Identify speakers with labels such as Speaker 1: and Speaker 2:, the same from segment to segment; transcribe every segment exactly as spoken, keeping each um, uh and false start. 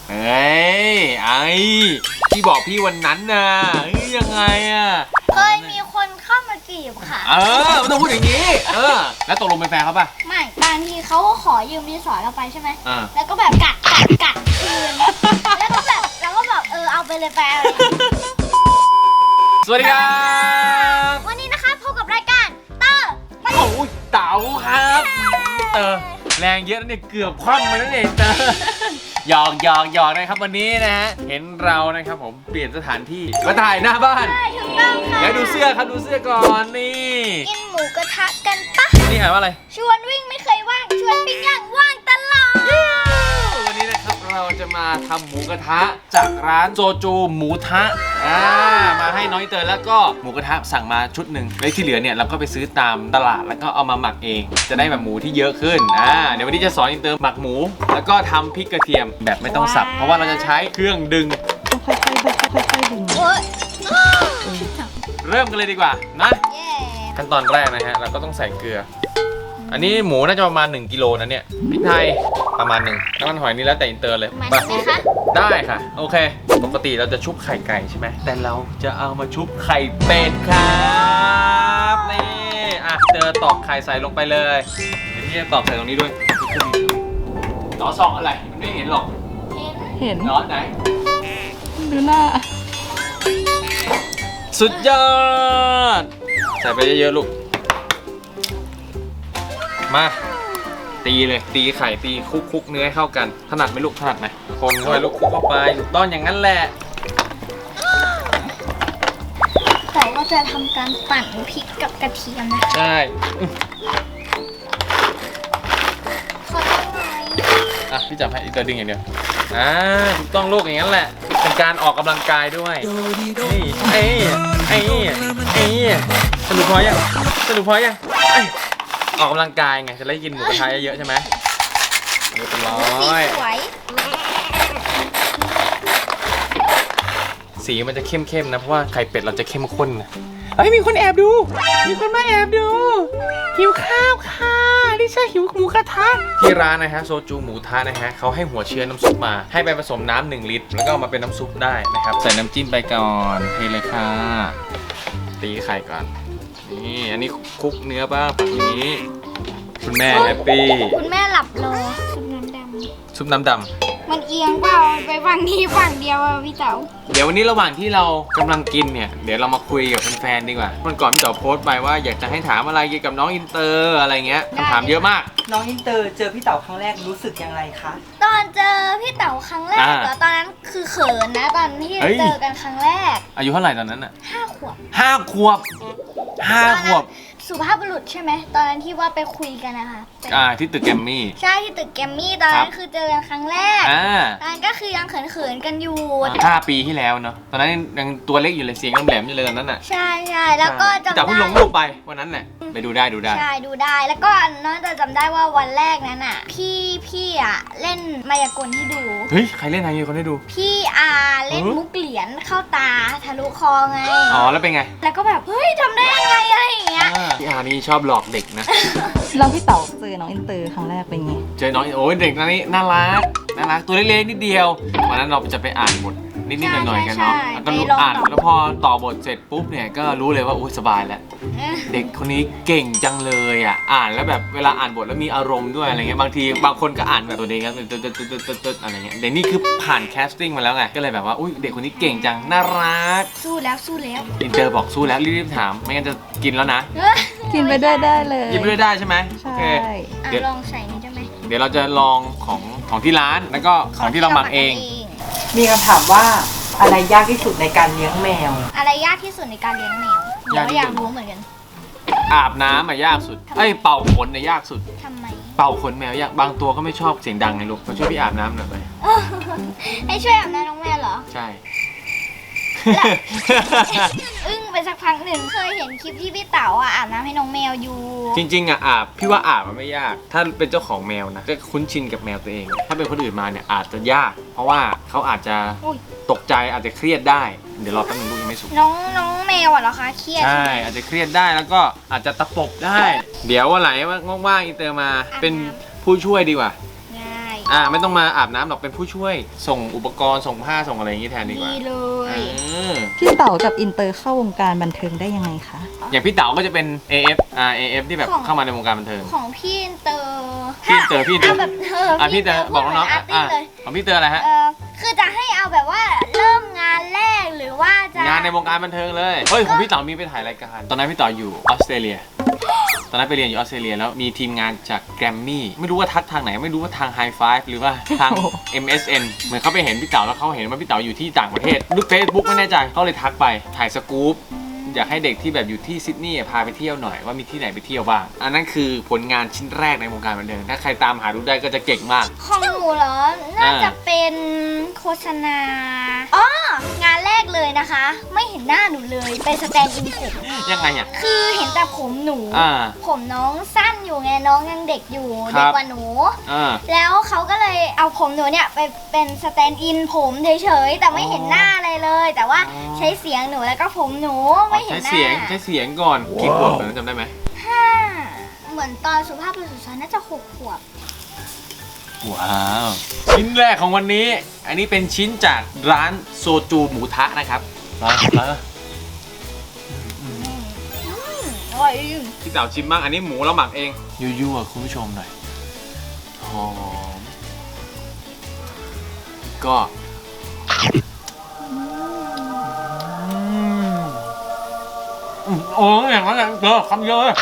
Speaker 1: เฮ้ยไอ้ที่บอกพี่วันนั้นน่ะเฮ้ยยังไงอ่ะ
Speaker 2: เคยมีคนเข้ามาจีบค่ะ
Speaker 1: เออไม่ต้องพูดอย่างนี้เออแล้วตกลงเป็นแฟนเขาป่ะ
Speaker 2: ไม่บางทีเขาก็ขอยืมดินสอเราไปใช่ไหม
Speaker 1: อ่า
Speaker 2: แล้วก็แบบกัดกัดกัดคืนแล้วก็แบบแล้วก็แบบเออเอาไปเลยแฟน
Speaker 1: สวัสดีครับ
Speaker 2: วันนี้นะคะพบกับรายการเตอร์
Speaker 1: โอ้ยเต๋าครับเตอร์แรงเยอะนะเนี่ยเกือบคว่ำไปแล้วเนี่ยเตอร์หยอกหยอกหยอกนะครับวันนี้นะฮะเห็นเรานะครับผมเปลี่ยนสถานที่มาถ่ายหน้าบ้าน
Speaker 2: ถูกต้องค่ะ
Speaker 1: แล้วดูเสื้อครับดูเสื้อก่อนนี่
Speaker 2: กินหมูกระทะกันปะ
Speaker 1: นี่อ่านว่าอะไร
Speaker 2: ชวนวิ่งไม่เคยว่างชวนปิ้งย่างว่างตลอด
Speaker 1: วันนี้นะครับเราจะมาทำหมูกระทะจากร้านโจจูหมูทะอ่ามาให้น้อยเตยแล้วก็หมูกระทะสั่งมาชุดหนึ่งแล้วที่เหลือเนี่ยเราก็ไปซื้อตามตลาดแล้วก็เอามาหมักเองจะได้แบบหมูที่เยอะขึ้นอ่าเดี๋ยววันนี้จะสอนอินเตอร์หมักหมูแล้วก็ทำพริกกระเทียมแบบไม่ต้องสับเพราะว่าเราจะใช้เครื่องดึง
Speaker 3: ค่อยๆค่อยๆค่อยๆดึง
Speaker 1: เริ่มกันเลยดีกว่านะขั้นตอนแรกนะฮะเราก็ต้องใส่เกลืออันนี้หมูน่าจะประมาณหนึ่งกิโลนะเนี่ยพริกไทยประมาณหนึ่งน้ำมันหอยนี่แล้วแต่อินเตอร์เลย
Speaker 2: มาไหมคะ
Speaker 1: ได้ค่ะโอเคปกติเราจะชุบไข่ไก่ใช่ไหมแต่เราจะเอามาชุบไข่เป็ดครับนี่อ่ะเตอร์ตอกไข่ใส่ลงไปเลยเดี๋ยวที่จะตอกใส่ตรงนี้ด้วยล้อซองอะไรมันไม่เห็นหรอก
Speaker 3: เห็น
Speaker 1: ล้อไหน
Speaker 3: ดูหน้า
Speaker 1: สุดยอดใส่ไปเยอะๆลูกมาตีเลยตีไข่ตีคุกคุกเนื้อให้เข้ากันถนัดไหมลูกถนัดไหมคนเข้าไปลูกคุกเข้าไปถูกต้องอย่างนั้นแหละ
Speaker 2: แต่ว่าจะทำการปั่นพริกกับกระเทียมนะ
Speaker 1: ใช่
Speaker 2: ขอต้องหน่อย
Speaker 1: อ่ะพี่จับให้อีกตัวดึงอย่างเดียวอ่าถูกต้องลูกอย่างนั้นแหละเป็นการออกกำลังกายด้วยนี่ไอ้ไอ้ไอ้สรุปพอยังสรุปพอยังออกกำลังกายไงจะได้กินหมูกระทะเยอะๆใช่ไหมเรียบร้อยสีมันจะเข้มๆนะเพราะว่าไข่เป็ดเราจะเข้มข้นนะเฮ้ยมีคนแอบดูมีคนมาแอบดูหิวข้าวค่ะดิฉันหิวหมูกระทะที่ร้านนะฮะโซจูหมูทะนะฮะเขาให้หัวเชื้อน้ำซุปมาให้ไปผสมน้ำหนึ่งลิตรแล้วก็เอามาเป็นน้ำซุปได้นะครับใส่น้ำจิ้มไปก่อนเทเลยค่ะตีไข่ก่อนนี่อันนี้คลุกเนื้อบ้างฝั่งนี้คุณแม่แฮปปี้
Speaker 2: คุณแม่หลับรอซุปน้ำดำ
Speaker 1: ซุปน้ำด
Speaker 2: ำมันเอียงเปล่าไปฝั่งนี้ฝั่งเดียวอะพี่เต๋า
Speaker 1: เดี๋ยววันนี้ระหว่างที่เรากำลังกินเนี่ยเดี๋ยวเรามาคุยกับแฟนๆดีกว่าวันก่อนพี่เต๋าโพสต์ไปว่าอยากจะให้ถามอะไรเกี่ยวกับน้องอินเตอร์อะไรเงี้ยคำถามเยอะมาก
Speaker 3: น้องอินเตอร์เจอพี่เต๋าครั้งแรกรู้สึกยังไงคะ
Speaker 2: ตอนเจอพี่เต๋าครั้งแรกเหรอตอนนั้นคือเขินนะตอนที่เจอกันครั้งแรก
Speaker 1: อายุเท่าไหร่ตอนนั้นอะ
Speaker 2: ห้าขวบ
Speaker 1: ห้าขวบห้าขวบ
Speaker 2: สุภาพบุรุษใช่ไหมตอนนั้นที่ว่าไปคุยกันนะคะ
Speaker 1: อ่าที่ตึกแกรมมี่
Speaker 2: ใช่ที่ตึกแกรมมี่ตอนนั้นคือเจอกันครั้งแรก
Speaker 1: อ่า
Speaker 2: ตอนนั้นก็คือยังเขินๆกันอยู่
Speaker 1: ห้าปีที่แล้วเนาะตอนนั้นยังตัวเล็กอยู่เลยเสียงแหลมๆอยู่เลยตอนนั้นอ่ะ
Speaker 2: ใช่ใช่แล้วก็จำได้
Speaker 1: แต่เพิ่งลงรูปไปวันนั้นแหละไปดูได้ดูได้
Speaker 2: ใช่ดูได้แล้วก็น้องจะจำได้ว่าวันแรกนั้นอ่ะพี่พี่อ่ะเล่นมายากลให้ดู
Speaker 1: เฮ้ยใครเล่นมายากลให้ดู
Speaker 2: พี่อาเล่นมุกเหรียญเข้าตาทะลุคอไง
Speaker 1: อ๋อแล้วเป็นไง
Speaker 2: แล้วก็แบบเฮ้ยทำได้ยังไงอะไรอย่างเงี้ย
Speaker 1: พี่อานี่ชอบหลอกเด็กนะ
Speaker 3: แล้วพี่เต๋าเจอน้องอินเตอร์ครั้งแรกเป็นไง
Speaker 1: เจอน้องโอ้ยเด็กนี้น่ารักน่ารักตัวเล็กๆนิดเดียววันนั้นเราจะไปอ่านบทนิดๆหน่อยๆกันเนาะแล้วก็รู้อ่านแล้วพอต่อบทเสร็จปุ๊บเนี่ยก็รู้เลยว่าอุ้ยสบายแล้วเด็กคนนี้เก่งจังเลยอ่ะอ่านแล้วแบบเวลาอ่านบทแล้วมีอารมณ์ด้วยอะไรเงี้ยบางทีบางคนก็อ่านแบบตัวเด็กครับตึ๊ดตึ๊ดตึ๊ดตึ๊ดตึ๊ดอะไรเงี้ยเดี๋ยวนี้คือผ่านแคสติ้งมาแล้วไงก็เลยแบบว่าอุ้ยเด็กคนนี้เก่งจังน่ารัก
Speaker 2: สู้แล้วสู้แล้ว
Speaker 1: อินเตอร์บอกสู้แล้วรีบๆถามไม่งั้นจะกินแล้วนะ
Speaker 3: กินไปด้วยได้เลย
Speaker 1: กินไปด้วยได้ใช่ไหมโอเค
Speaker 2: เดี๋ยวลองใส่นี่ได้ไหม
Speaker 1: เดี๋ยวเราจะลองของของที่ร้านแล้วก็ของที่เราหมักเอง
Speaker 3: มีคำถามว่าอะไรยากที่สุดในการเลี้ยงแมว
Speaker 2: อะไรยากที่สุดในการเลี้ยงแมวเราอยากรู้เหมือนกัน
Speaker 1: อาบน้ำอะยากสุดเอ้ยเป่าขนเนี่ยยากสุด
Speaker 2: ทำไม
Speaker 1: เป่าขนแมวยากบางตัวก็ไม่ชอบเสียงดังไงลูกมาช่วยพี่อาบน้ำหน่อยไป
Speaker 2: ให้ช่วยอาบน้ำน้องแมวเหรอ
Speaker 1: ใช่
Speaker 2: อึ้งไปสักพักหนึ่งเคยเห็นคลิปที่พี่เต๋าอ่ะอาบน้ำให้น้องแมวอยู่
Speaker 1: จริงๆอ่ะอาบพี่ว่าอาบมันไม่ยากถ้าเป็นเจ้าของแมวนะก็คุ้นชินกับแมวตัวเองถ้าเป็นคนอื่นมาเนี่ยอาจจะยากเพราะว่าเขาอาจจะตกใจอาจจะเครียดได้เดี๋ยวรอแป๊บนึงลูกยังไม่สุก
Speaker 2: น้องน้องแมวอ่ะเหรอคะเครียด
Speaker 1: ใช่อาจจะเครียดได้แล้วก็อาจจะตะปบได้เดี๋ยววันไหนว่างๆอินเตอร์มาเป็นผู้ช่วยดีกว่า
Speaker 2: ได้
Speaker 1: อ่าไม่ต้องมาอาบน้ำหรอกเป็นผู้ช่วย ส่งอุปกรณ์ส่งผ้าส่งอะไรอย่างงี้แทนดีกว่า
Speaker 2: ดีเลย
Speaker 1: เออ
Speaker 3: พี่เต๋ากับอินเตอร์เข้าวงการบันเทิงได้ยังไงคะ
Speaker 1: อย่างพี่เต๋าก็จะเป็น เอ เอฟ อ่า เอ เอฟ ที่แบบ
Speaker 2: ของ
Speaker 1: เข้ามาในวงการบันเทิง
Speaker 2: ของพี่อินเตอร์
Speaker 1: พี่อินเตอร์พี่อินเตอร์
Speaker 2: าแบบเออ
Speaker 1: อ่ะพี่เตอร์บอกน้องๆ
Speaker 2: อา
Speaker 1: อ่ะ
Speaker 2: ร์ตี้เลย
Speaker 1: ของพี่เตอร์อะไรฮะ
Speaker 2: เออคือจะให้เอาแบบว่าเริ่มงานแรกหรือว่าจะ
Speaker 1: งานในวงการบันเทิงเลยเฮ้ยของพี่เต๋ามีไปถ่ายรายการตอนนั้นพี่เต๋าอยู่ออสเตรเลีย ตอนนั้นไปเรียนอยู่ออสเตรเลียแล้วมีทีมงานจากแกรมมี่ไม่รู้ว่าทักทางไหนไม่รู้ว่าทาง High Five หรือว่าทาง เอ็ม เอส เอ็น เหมือนเขาไปเห็นพี่เต๋าแล้วเขาเห็นว่าพี่เต๋าอยู่ที่ต่างประเทศดูเฟซบุ๊กไม่แน่ใจเขาเลยทักไปถ่ายสกู๊ปอยากให้เด็กที่แบบอยู่ที่ซิดนีย์พาไปเที่ยวหน่อยว่ามีที่ไหนไปเที่ยวบ้างอันนั้นคือผลงานชิ้นแรกในวงการบันเทิงถ้าใครตามหาดูได้ก็จะเก่งมาก
Speaker 2: ของหนูเหรอ น่าจะเป็นโฆษณาอ๋องานแรกเลยนะคะ ไม่เห็นหน้าหนูเลยเป็นสแตนด์อินผม
Speaker 1: ยังไงอ่ะ
Speaker 2: คือเห็นแต่ผมหนู
Speaker 1: อ่า
Speaker 2: ผมน้องสั้นอยู่ไงน้องยังเด็กอยู่
Speaker 1: ครับ
Speaker 2: เด็กกว่าหนู
Speaker 1: อ่า
Speaker 2: แล้วเขาก็เลยเอาผมหนูเนี่ยไปเป็นสแตนด์อินผมเฉยๆแต่ไม่เห็นหน้าอะไรเลย แต่ว่า
Speaker 1: อ๋อ
Speaker 2: ใช้เสียงหนูแล้วก็ผมหนูไม่เห็
Speaker 1: ใช้
Speaker 2: นหน้า
Speaker 1: เสียงใช้เสียงก่อนกี่ขวบตอนนั้นจำได้ไหม
Speaker 2: ห้าเหมือนตอนสุภาพบุรุษน่าจะหกขวบ
Speaker 1: ว้าวชิ้นแรกของวันนี้ อันนี้เป็นชิ้นจากร้านโซจูหมูทะนะครับมามา
Speaker 2: อร่อย
Speaker 1: พี่เต๋าชิมบ้างอันนี้หมูเราหมักเองยั่วๆคุณผู้ชมหน่อยหอมก็อืมโอ้ยอย่างนั้นแหละเจอคำเยอะเลย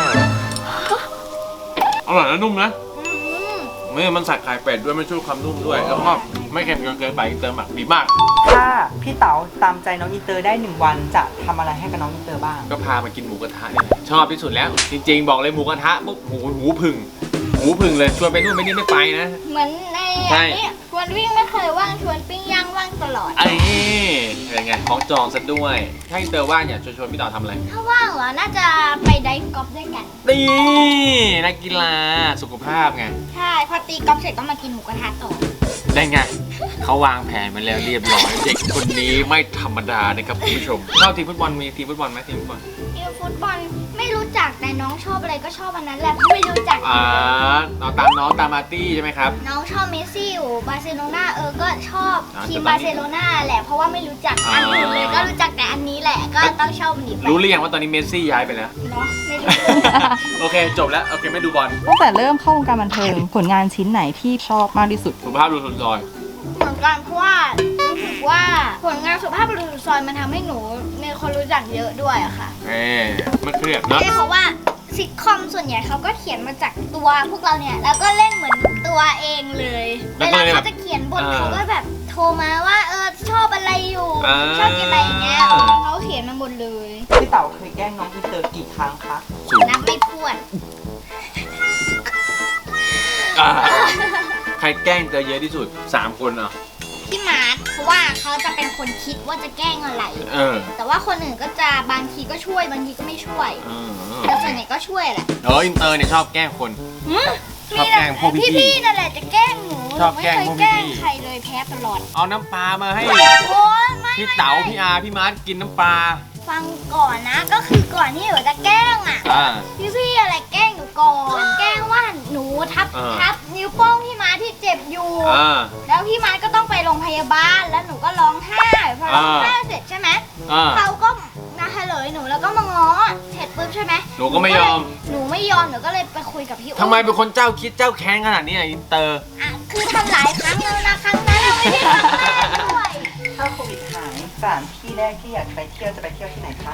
Speaker 1: อร่อยและนุ่มนะ
Speaker 2: อืม
Speaker 1: ไม่มันใส่ไข่เป็ดด้วยไม่ช่วยความนุ่มด้วยแล้วก็ไม่เค็มจนเกินไปเติมหมักดีมาก
Speaker 3: ถ้าพี่เต๋าตามใจน้องอินเตอร์ได้หนึ่งวันจะทำอะไรให้กับน้องอินเตอร์บ้าง
Speaker 1: ก็พามากินหมูกระทะเนี่ยแหละชอบที่สุดแล้ว จริงๆ บอกเลยหมูกระทะปุ๊บหูหูผึ่งหูผึ่งเลยชวนไปนู่นไปนี่ไม่ไปนะ
Speaker 2: เหมือนใน
Speaker 1: ใช่
Speaker 2: อันนี้ชวนวิ่งไม่เคยว่างชวนปิ้งย่างว่างตลอด
Speaker 1: ไอ้เป็นไงของจองซะด้วย ถ้าอินเตอร์ว่างเนี่ยชวนชวนพี่เต๋าทำอะไร
Speaker 2: ถ้าว่างเหรอ น่าจะไปไดฟ์กอล์ฟด้วยกัน
Speaker 1: ตีนักกีฬาสุขภาพไง
Speaker 2: ใช่ พอตีกอล์ฟเสร็จก็มากินหมูกระทะต่อ
Speaker 1: ได้ไงเขาวางแผนมาแล้วเรียบร้อยเด็กคนนี้ไม่ธรรมดานะครับคุณผู้ชมชอบทีมฟุตบอลมีทีมฟุตบอลไหมทีมฟุตบอล
Speaker 2: ทีมฟุตบอลไม่รู้จักแต่น้องชอบอะไรก็ชอบอันนั้นแหละไม่รู้จัก
Speaker 1: อ่าเอาตามน้องตามมาร์ตี้ใช่ไหมครับ
Speaker 2: น้องชอบเมสซี่อยู่บาร์เซโลนาเออก็ชอบ
Speaker 1: อ่า
Speaker 2: ทีม
Speaker 1: แต่ตอนนี้
Speaker 2: บาร์เซโลนาแหละเพราะว่าไม่รู้จักอันอื่นเลย
Speaker 1: อ่า
Speaker 2: ก็รู้จักแต่อันนี้แหละก็ต้องชอบมันดีไป
Speaker 1: รู้หรือยังว่าตอนนี้เมสซี่ย้ายไปแล้ว
Speaker 2: เนาะไม่รู้
Speaker 1: โอเคจบแล้วโอเคไม่ดูบอล
Speaker 3: ตั้งแต่เริ่มเข้าวงการบันเทิงผลงานชิ้นไหนที่ชอบมากที่สุด
Speaker 1: สุภาพดูสุนทร
Speaker 2: เหมือนกันเพราะว่ารู้สึกว่าผลงานสุภาพบุรุษสุดซอยมันทำให้หนูมีคนรู้จักเยอะด้วยอะค่ะ
Speaker 1: เอ๊ไม่เครียดนะ
Speaker 2: ใช่เพราะว่าซิทคอมส่วนใหญ่เขาก็เขียนมาจากตัวพวกเราเนี่ยแล้วก็เล่นเหมือนตัวเองเลยเวลาเขาจะเขียนบทเขาก็แบบโทรมาว่าเออชอบอะไรอยู่ชอบกินอะไรอย่างเงี้ยเขาเขียนมาหมดเลย
Speaker 3: พี่เต๋าเคยแกล้งน้องอินเตอร์กี่ครั้งคะ
Speaker 2: นับไม่ถ้วน
Speaker 1: อ่าใครแกล้งเจอเยอะที่สุดสามคนอ่ะ
Speaker 2: พี่มาร์ทเพราะว่าเขาจะเป็นคนคิดว่าจะแกล้งอะไร
Speaker 1: เออ
Speaker 2: แต่ว่าคนอื่นก็จะบางทีก็ช่วยบางทีก็ไม่ช่วย
Speaker 1: เออ
Speaker 2: แต่ส่วนใหญ่ก็ช่วยแหละ
Speaker 1: เอออินเตอร์เนี่ยชอบแกล้งคน
Speaker 2: หืม
Speaker 1: ชอบแกล้งพวกพี่ๆ
Speaker 2: พี่ๆนั่นแหละจะแกล้งหนูห
Speaker 1: ช
Speaker 2: นู
Speaker 1: อบ
Speaker 2: ไม่
Speaker 1: แกล้ง
Speaker 2: เคย
Speaker 1: พวก
Speaker 2: แกล้ง
Speaker 1: พี่ๆ
Speaker 2: ใครเลยแพ้ตลอด
Speaker 1: เอาน้ำปลามาให้
Speaker 2: โอ้ยไม่
Speaker 1: พี่
Speaker 2: ไม่
Speaker 1: เต๋า
Speaker 2: ไม่
Speaker 1: พี่อาร์พี่มาร์ทกินน้ำปลา
Speaker 2: ฟังก่อนนะก็คือก่อนที่หนูจะแกล้งอ่ะ
Speaker 1: อ่า
Speaker 2: พี่พี่ๆอะไรแกล้งหนูก่อนแกล้งว่าหนูทับ
Speaker 1: เออ
Speaker 2: ทับนิ้วโป้งพี่มาร์ทที่เจ็บอยู่
Speaker 1: อ่า
Speaker 2: แล้วพี่มาร์ทก็ต้องไปโรงพยาบาลแล้วหนูก็ร้องไห้พอร้อง
Speaker 1: อ่า
Speaker 2: ไห้เสร็จใช่ไหม
Speaker 1: อ่า
Speaker 2: เขาก็มาเฉลยหนูแล้วก็มาง้อเสร็จปุ๊บใช่ไหม
Speaker 1: หนูก็ไม่ยอม
Speaker 2: หนูไม่ยอมหนูก็เลยไปคุยกับพี่อุ้
Speaker 1: ทำไมเป็นคนเจ้าคิดเจ้าแค้นขนาดนี้อ่ะอินเตอร์
Speaker 2: อ่ะคือทำหลายครั้งแล้วนะครั้งนั้นเราไม่ได้ทำแรกด้วย
Speaker 3: ถ้าโควิดหายสถานที่แรกที่อยากไปเที่ยวจะไปเที่ยวที่ไหนคะ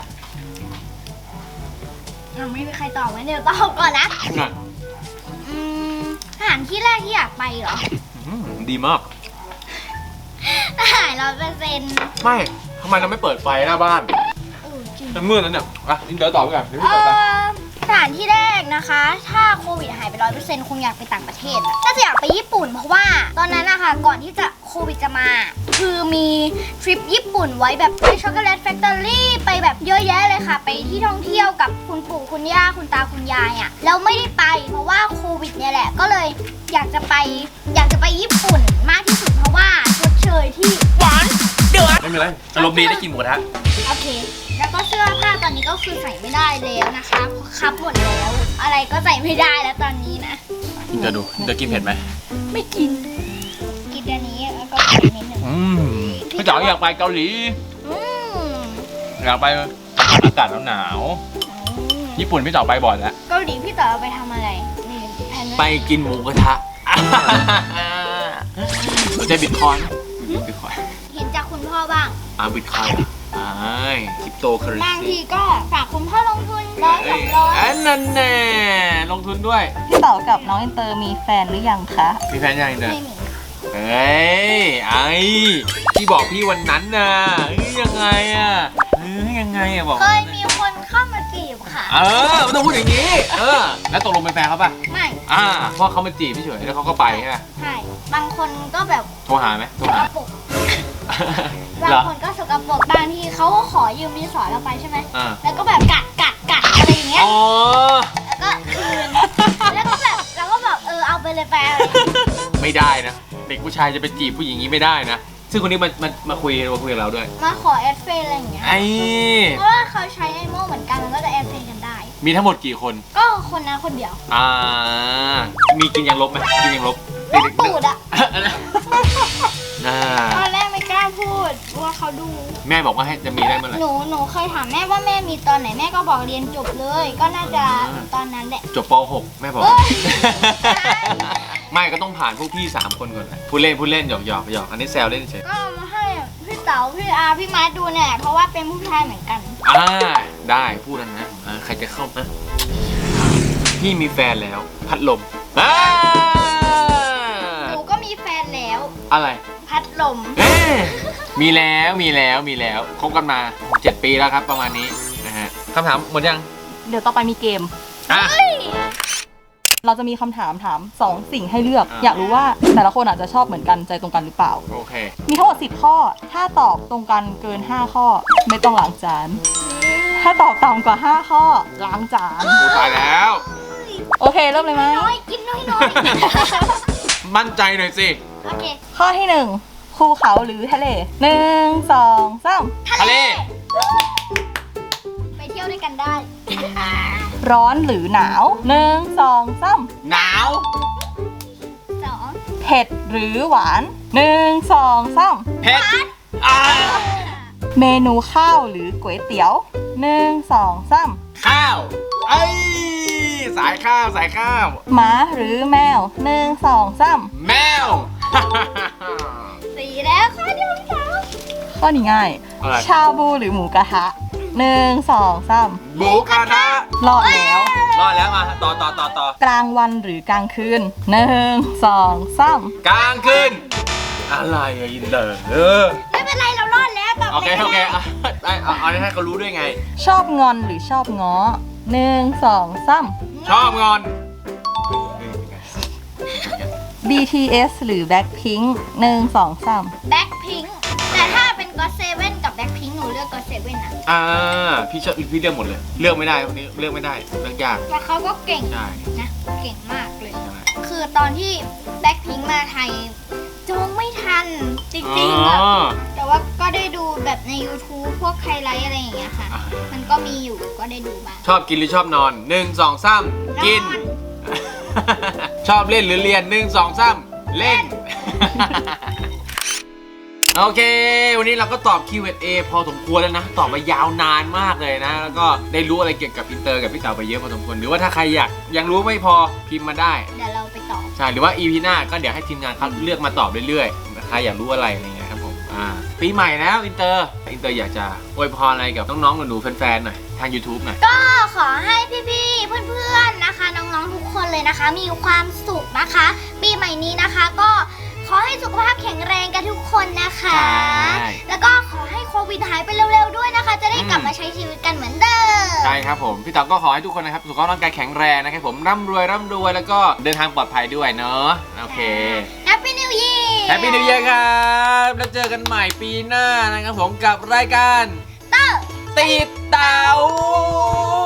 Speaker 2: ยังไม่มีใครตอบงั้นเดี๋ยวตอบก่อนนะ
Speaker 1: น่ะ
Speaker 2: อืมสถานที่แรกที่อยากไปเหรอ
Speaker 1: อืมดีมาก
Speaker 2: อาหารร้อยเปอร์เซ็นต์
Speaker 1: ไม่ทำไมเราไม่เปิดไฟหน้าบ้าน
Speaker 2: เออจริง
Speaker 1: มันมืดแล้วเนี่ยอ่ะอินเตอร์ตอบไปก่อนเดี๋ยว
Speaker 2: เอ
Speaker 1: พี่ตอบไป
Speaker 2: อสถานที่แรกนะคะ ถ้าโควิดหายไปร้อยเปอร์เซ็นต์คงอยากไปต่างประเทศอะน่าจะอยากไปญี่ปุ่นเพราะว่าตอนนั้นนะคะก่อนที่จะโควิดจะมา คือมีทริปญี่ปุ่นไว้แบบไปช็อกโกแลตแฟคทอรี่ไปแบบเยอะแยะเลยค่ะ ไปที่ท่องเที่ยวกับคุณปู่คุณย่าคุณตาคุณยายอะ่ะแล้วไม่ได้ไปเพราะว่าโควิดเนี่ยแหละก็เลยอยากจะไปอยากจะไปญี่ปุ่นมากที่สุดเพราะว่าชดเชยที่หวานเดือด
Speaker 1: ไม่เป็นไรอารมณ์ดีได้กินหมูกระทะ
Speaker 2: โอเค แล้วก็เสื้อผ้าตอนนี้ก็คือใส่ไม่ได้แล้วนะคะคับหมดแล้ว อะไรก็ใส่ไม่ได้แล้วตอนนี้นะ
Speaker 1: อินเตอร์ดูอินเตอร์กินเผ็ดไหม
Speaker 2: ไม่กิน กินอันนี้แล้วก็กินนิดหนึ่ง
Speaker 1: อืมพี่เต๋าอยากไปเกาหลี
Speaker 2: อืม
Speaker 1: อยากไปอากาศหนาวๆญี่ปุ่นพี่เต๋าไปบ่อยแล้ว
Speaker 2: เกาหลีพี่เต๋อเอาไปทำอะไรนี่แผน
Speaker 1: ไปกินหมูกระทะสนใจบิตคอยน์บิตคอยน์
Speaker 2: เห็นจากคุณพ่อบ้าง
Speaker 1: อ่าบิตคอยน์อ่าคริปโตเคอเรน
Speaker 2: บาง
Speaker 1: ซี
Speaker 2: ทีก็ฝากคุณพ่อลงทุนร้อยสองร้อย
Speaker 1: อันนั้นแน่ลงทุนด้วย
Speaker 3: พี่เต๋ากับน้องอินเตอร์มีแฟนหรือยังคะ
Speaker 1: มีแฟนยังเนี่ย
Speaker 2: ไม่มี
Speaker 1: เฮ้ยไอ้ที่บอกพี่วันนั้นน่ะเฮ้ยยังไงอ่ะเฮ้ยยังไงอ่ะบอก
Speaker 2: เคยมีคนเข้ามาจีบค่ะ
Speaker 1: เออไม่ต้องพูดอย่างนี้ เออ แล้วตกลงเป็นแฟนเขาป่ะ
Speaker 2: ไม่
Speaker 1: อ่าเพราะเขามาจีบพี่เฉยแล้วเขาก็ไปใช่ไหม
Speaker 2: ใช่บางคนก็แบบ
Speaker 1: โทรหาไหมโทร
Speaker 2: สก
Speaker 1: หา
Speaker 2: ปรก
Speaker 1: เห
Speaker 2: บาง
Speaker 1: รอ
Speaker 2: คนก็สกปรกบางทีเขาก็ขอยืมดินสอเราไปใช่ไหม
Speaker 1: อ่า
Speaker 2: แล้วก็แบบกัดกัดกัดอะไรอย่างเงี้ย
Speaker 1: อ๋อ
Speaker 2: แล้วก็คืน แล้วก็แบบเราก็แบบเออเอาไปเลยไปอะไรอย่างเงี้ย
Speaker 1: ไม่ได้นะ เด็กผู้ชายจะไปจีบผู้หญิงอย่างนี้ไม่ได้นะ ซึ่งคนนี้มามามาคุยมาคุยกับเราด้วย
Speaker 2: มาขอแอดเฟซอะไรอย่างเงี้ย
Speaker 1: ไอ้
Speaker 2: เพราะว่าเขาใช้ไอโม่เหมือนกันมันก็จะแอดเฟซกันได้
Speaker 1: มีทั้งหมดกี่คน
Speaker 2: ก็คนนั้นคนเดียว
Speaker 1: อ่า มีกินยังลบไหมกินยังลบ
Speaker 2: ตูดอะ
Speaker 1: อ่า
Speaker 2: ตอนแรกไม่กล้าพูดว่าเขาดู
Speaker 1: แม่บอกว่าให้จะมีได้เมื่อไหร่
Speaker 2: หนูหนูเคยถามแม่ว่าแม่มีตอนไหนแม่ก็บอกเรียนจบเลย ก็น่าจะตอนนั้นแหละ
Speaker 1: จบป หก แม่บอก
Speaker 2: เอ้ย
Speaker 1: ไม่ก็ต้องผ่านพวกพี่สามคนก่อนนะพูดเล่นพูดเล่นหยอกหยอกหยอกอันนี้แซวเล่นเฉย
Speaker 2: ก็เอามาให้พี่เต๋าพี่อาพี่มาร์ทดูเนี่ยเพราะว่าเป็นผู้ชายเหมือนกัน
Speaker 1: อ่าได้พูดแล้วนะอ่าใครจะเข้ามาพี่มีแฟนแล้ว พัดลมอ่า
Speaker 2: หนูก็มีแฟนแล้ว
Speaker 1: อะไร
Speaker 2: พัดลม
Speaker 1: เอ๊ะมีแล้วมีแล้วมีแล้วคบกันมาเจ็ดปีแล้วครับประมาณนี้นะฮะคำถามหมดยัง
Speaker 3: เดี๋ยวต่อไปมีเกม
Speaker 1: อ่ะ
Speaker 3: เราจะมีคำถามถามสองสิ่งให้เลือก
Speaker 1: อ่า
Speaker 3: อยากรู้ว่าแต่ละคนอาจจะชอบเหมือนกันใจตรงกันหรือเปล่า
Speaker 1: โอเค
Speaker 3: มีทั้งหมดสิบข้อ ถ้าตอบตรงกันเกินห้าข้อ ไม่ต้องล้างจาน ถ้าตอบต่ำกว่าห้าข้อล้างจาน
Speaker 1: โอ้ตายแล้ว
Speaker 3: โอเคเริ่มเลยไหม
Speaker 2: น้อยกินน้อยน้อย
Speaker 1: มั่นใจหน่อยสิ
Speaker 2: โอเค
Speaker 3: ข้อที่หนึ่งภูเขาหรือทะเลหนึ่งสองสาม
Speaker 1: ทะเล
Speaker 2: ไปเที่ยวด้วยกันได้
Speaker 3: ร้อนหรือหนาวหนึ่งสองสาม
Speaker 1: หนาว
Speaker 2: สอง
Speaker 3: เผ็ดหรือหวานหนึ่งสองสาม
Speaker 1: เผ็ดอ่า
Speaker 3: เมนูข้าวหรือก๋วยเตี๋ยวหนึ่งสองสาม
Speaker 1: ข้าวไอ้ยสายข้าวสายข้าว
Speaker 3: หมาหรือแมวหนึ่งสองสาม
Speaker 1: แมว
Speaker 2: สี่แล้วข้อเดียวสาม
Speaker 3: ข้อนี้ง่าย
Speaker 1: อะไร
Speaker 3: ชาบูหรือหมูกระทะหนึ่งสองสาม
Speaker 1: หมูกระทะ
Speaker 3: รอดแล้ว
Speaker 1: รอดแล้วมาต่อต่อต่อต่อก
Speaker 3: ลางวันหรือกลางคืนหนึ่งสองสาม
Speaker 1: กลางคืนอะไรอะอินเตอร์เออ
Speaker 2: ไม่เป็นไรเรารอดแล้วตอบ
Speaker 1: โอเค
Speaker 2: ลย
Speaker 1: โอเคอ่ะเอาเอาเอาให้เขารู้ด้วยไง
Speaker 3: ชอบงอนหรือชอบง้อหนึ่งสองสาม
Speaker 1: ชอบงอน
Speaker 3: บี ที เอส หรือ Blackpink หนึ่งสองสาม
Speaker 2: แบ็คพิงค์แต่ถ้าเป็นก็เซเว่นกับแบ็คพิงค์หนูเลือกก็เซเว่นนะ
Speaker 1: อ่าพี่ชอบพี่เลือกหมดเลย เลือกไม่ได้คนนี้เลือกไม่ได้เลือกยาก
Speaker 2: แล้วเขาก็เก่ง
Speaker 1: ใช่
Speaker 2: นะเก่งมากเลย
Speaker 1: ใช่ไหม
Speaker 2: คือตอนที่แบ็คพิงค์มาไทยจองไม่ทันจ
Speaker 1: อ๋
Speaker 2: ริงๆอะ
Speaker 1: อ
Speaker 2: แต่ว่าก็ได้ดูแบบใน YouTube พวกไฮไลท์อะไรอย่างเงี้ยค่ะ
Speaker 1: อ่า
Speaker 2: มันก็มีอยู่ก็ได้ดูบ้าง
Speaker 1: ชอบกินหรือชอบนอนหนึ่งสองสามกิน
Speaker 2: นอน
Speaker 1: ชอบเล่นหรือเรียนหนึ่งสองสามเล่น โอเค วันนี้เราก็ตอบ คิว แอนด์ เอ พอสมควรแล้วนะ ตอบมายาวนานมากเลยนะ แล้วก็ได้รู้อะไรเกี่ยวกับอินเตอร์กับพี่เต๋าไปเยอะพอสมควร หรือว่าถ้าใครอยากยังรู้ไม่พอพิมพ์มาได้
Speaker 2: เดี๋ยวเราไปต่อ
Speaker 1: ใช่ หรือว่า อี พี หน้าก็เดี๋ยวให้ทีมงานเขาเลือกมาตอบเรื่อยๆ ใครอยากรู้อะไรอะไรเงี้ยครับผม อ่า ปีใหม่แล้วอินเตอร์ อินเตอร์อยากจะอวยพรอะไรกับน้องๆหนูๆแฟนๆหน่อยทาง YouTube หน่อย
Speaker 2: ก็ขอให้พี่ๆ เพื่อนๆ นะคะ น้องๆ ทุกคนเลยนะคะ มีความสุขนะคะ ปีใหม่นี้นะคะก็ขอให้สุขภาพแข็งแรงกันทุกคนนะคะ
Speaker 1: ใช่
Speaker 2: แล้วก็ขอให้โควิดหายไปเร็วๆ ด้วยนะคะ จะได้กลับมาใช้ชีวิตกันเหมือนเดิม
Speaker 1: ใช่ครับผม พี่เต๋าก็ขอให้ทุกคนนะครับสุขภาพร่างกายแข็งแรงนะครับผมร่ำรวยร่ำรวยแล้วก็เดินทางปลอดภัยด้วยเนาะโอเค
Speaker 2: Happy New Year
Speaker 1: แฮปปี้นิวเยียร์ครับแล้วเจอกันใหม่ปีหน้านะครับผมกับรายการ
Speaker 2: เตอร์
Speaker 1: ติดเต๋า